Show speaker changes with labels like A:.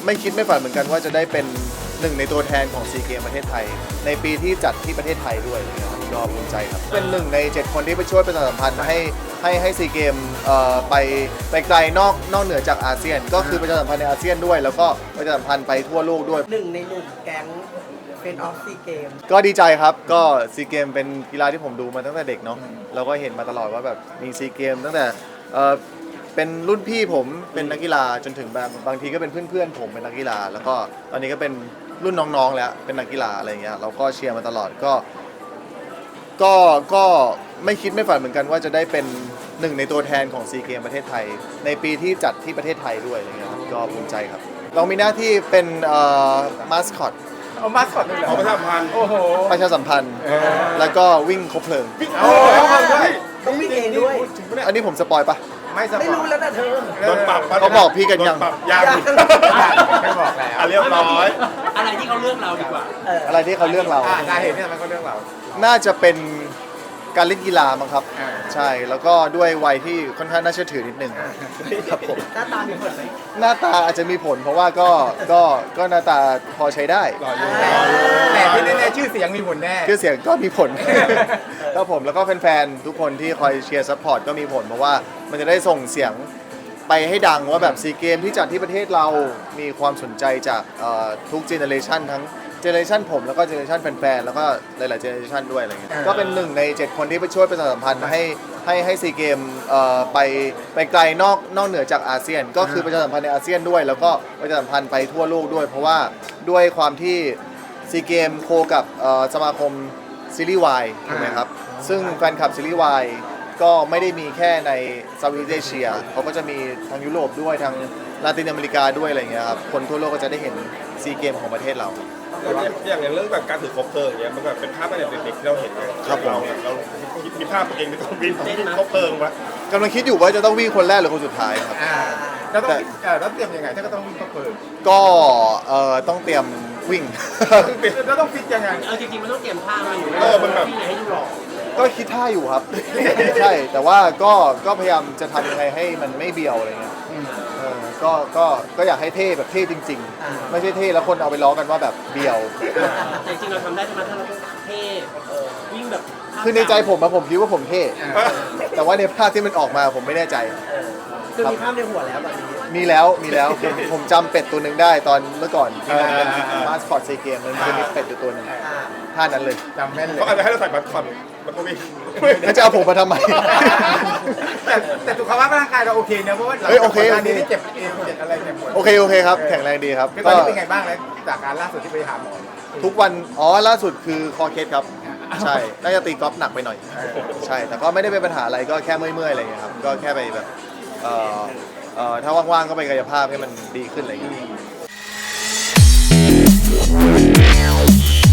A: ไม่คิดไม่ฝันเหมือนกันว่าจะได้เป็นหนึ่งในตัวแทนของซีเกมประเทศไทยในปีที่จัดที่ประเทศไทยด้วยนะครับก็ภูมิใจครับเป็นหนึ่งใน7คนที่ไปช่วยประชาสัมพันธ์ให้ซีเกมไปไกลนอกเหนือจากอาเซียนก็คือประชาสัมพันธ์ในอาเซียนด้วยแล้วก็ประชาสัมพันธ์ไปทั่วโลกด้วย
B: หนึ่งในหนุ่มแก๊งเป็นออฟซีเกม
A: ก็ดีใจครับก็ซีเกมเป็นกีฬาที่ผมดูมาตั้งแต่เด็กเนาะเราก็เห็นมาตลอดว่าแบบมีซีเกมตั้งแต่เป็นรุ่นพี่ผมเป็นนักกีฬาจนถึงแบบบางทีก็เป็นเพื่อนๆผมเป็นนักกีฬาแล้วก็ตอนนี้ก็เป็นรุ่นน้องๆแล้วเป็นนักกีฬาอะไรเงี้ยเราก็เชียร์มาตลอดก็ไม่คิดไม่ฝันเหมือนกันว่าจะได้เป็นหนึ่งในตัวแทนของซีเกมประเทศไทยในปีที่จัดที่ประเทศไทยด้วยอะไรเงี้ยก็ภูมิใจครับเรามีหน้าที่เป็นมาสคอต
C: เอามาสอดเลยเหรอประชาสัมพันธ์โอ้โห
A: ประชาสัมพันธ์แล้วก็วิ่งคบเพลิง
C: โอ้ย
B: ต้องวิ่งเองด้วย
A: อันนี้ผมสปอยปะ
B: ไม่รู้แล้วนะเธอ
C: โดนปรับ
A: เขาบอกพี่กันยัง
C: ยังไม่บอกแล้วเรียบร้อย
D: อะไรที่เขาเลือกเราดีกว่า
A: อะไรที่เขาเลือกเรา
C: สาเหตุที่ทำไมเขาเลือกเรา
A: น่าจะเป็นการเล่นกีฬามั้งครับใช่แล้วก็ด้วยวัยที่ค่อนข้างน่าเชื่อถือนิดนึงครับผม
B: หน้าตามีผลไหม
A: หน้าตาอาจจะมีผลเพราะว่าก็หน้าตาพอใช้ได้
C: แต่ที่แน่ๆชื่อเสียงมีผลแน่
A: ชื่อเสียงก็มีผลครับผมแล้วก็แฟนๆทุกคนที่คอยเชียร์ซัพพอร์ตก็มีผลเพราะว่ามันจะได้ส่งเสียงไปให้ดังว่าแบบซีเกมที่จัดที่ประเทศเรามีความสนใจจากทุกเจเนอเรชันทั้งเจเนอเรชันผมแล้วก็เจเนอเรชันแฟนๆแล้วก็หลายๆเจเนอเรชันด้วยอะไรเงี้ยก็เป็นหนึ่งใน7คนที่ไปช่วยประชาสัมพันธ์ให้ซีเกมไปไกลนอกเหนือจากอาเซียนก็คือประชาสัมพันธ์ในอาเซียนด้วยแล้วก็ประชาสัมพันธ์ไปทั่วโลกด้วยเพราะว่าด้วยความที่ซีเกมโคกับสมาคมซีรีส์วายถูกไหมครับซึ่งแฟนคลับซีรีส์วายก็ไม่ได้มีแค่ในเซาท์อีสต์เอเชียเขาก็จะมีทางยุโรปด้วยทางลาตินอเมริกาด้วยอะไรเงี้ยครับคนทั่วโลกก็จะได้เห็นซีเกมของประเทศเรา
C: อย่างเรื่องแบบการถือคบเพลิงอย่างเงี้ยมันแบบเป็นภาพตั้งแต่เด็กๆที่เราเห็น
A: ครับ
C: เรามีภาพตัวเองในการวิ่งคบเพลิงวะ
A: กำลังคิดอยู่ว่าจะต้องวิ่งคนแรกหรือคนสุดท้ายครับ
C: แล้วต้องเตรียมยังไงถ้าก็ต้องวิ่งคบเพลิง
A: ก็ต้องเตรียมวิ่ง
C: แล้วต้องฟิตยังไง
D: จริงๆมันต้องเตรียมท่ามาอยู่
C: มันแบบ
D: ให้ดูหล่อ
A: ก็คิดท่าอยู่ครับใช่แต่ว่าก็พยายามจะทำยังไงให้มันไม่เบี้ยวอะไรเงี้ยก็อยากให้เท่แบบเท่จริงๆไม่ใช่เท่แล้วคนเอาไปล้อกันว่าแบบเบี้ยว
D: แต่จริงเราทำได้ใช่ไหมถ้าเราต้องเท่วิ่งแบบ
A: คือในใจผมคิดว่าผมเท่แต่ว่าในภาพที่มันออกมาผมไม่แน่ใจ
B: คือมีภาพในหัวแล้วแบบนี้
A: มีแล้วผมจำเป็ดตัวหนึ่งได้ตอนเมื่อก่อนที่มันเป็นมาสคอตซีเกมมันจะมีเป็ดอยู่ตัวนึงท่านั้นเลย
C: จำแม่นเลยเขาอาจจะให้เราใส่บัตรคอนมันก็วิ่ง
A: แล้วจะเอาผมมาทำไม
C: แต่สุขภาพร่างกายเราโอเคนะเพราะว่า
A: โอเค
C: นี้ที่เจ็บเอวเจ็บอะไรเจ็บปวด
A: โอเคครับแข็งแรงดีครับ
C: ตอนนี้เป็นไงบ้างแล้วจากการล่าสุดที่ไปหาหมอ
A: ทุกวันล่าสุดคือคอเคสครับใช่น่าจะตีกอล์ฟหนักไปหน่อยใช่แต่ก็ไม่ได้เป็นปัญหาอะไรก็แค่เมื่อยๆอะไรอย่างเงี้ยครับก็แค่ไปแบบถ้าว่างๆก็ไปกายภาพให้มันดีขึ้นอะไรอย่างเงี้ย